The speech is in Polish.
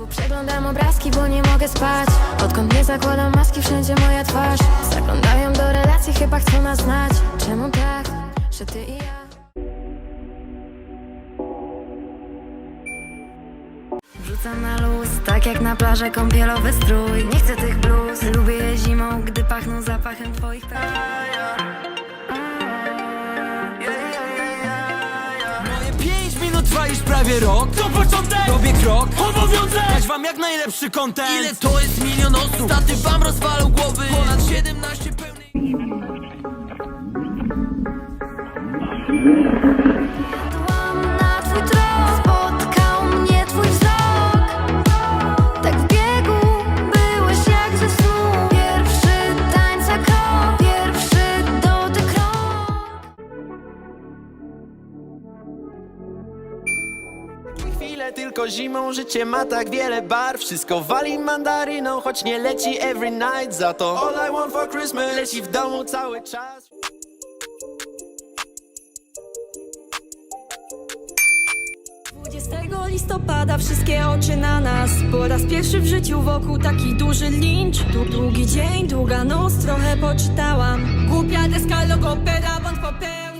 Znowu przeglądam obrazki, bo nie mogę spać. Odkąd nie zakładam maski, wszędzie moja twarz. Zaglądają do relacji, chyba chcą nas znać. Czemu tak, że ty i ja? Wrzucam na luz, tak jak na plażę kąpielowy strój. Nie chcę tych bluz, lubię je zimą, gdy pachną zapachem twoich praw. Moje 5 minut trwa już prawie rok. To początek, robię krok, obowiązek dać wam jak najlepszy content. Ile to jest 1 milion osób? Staty wam rozwalą głowy. Ponad 17 pełnych. Na twój trop spotkał mnie twój wzrok. Tak w biegu byłeś jak ze snu. Pierwszy tańca krok, pierwszy dotyk rąk. Chwilę tylko zimą, życie ma tak wiele barw. Wszystko wali mandaryną, choć nie leci every night. Za to all I want for Christmas leci w domu cały czas. 20 listopada wszystkie oczy na nas. Po raz pierwszy w życiu wokół taki duży lincz. Długi dzień, długa noc, trochę poczytałam. Głupia deska, logopeda, błąd popełnił.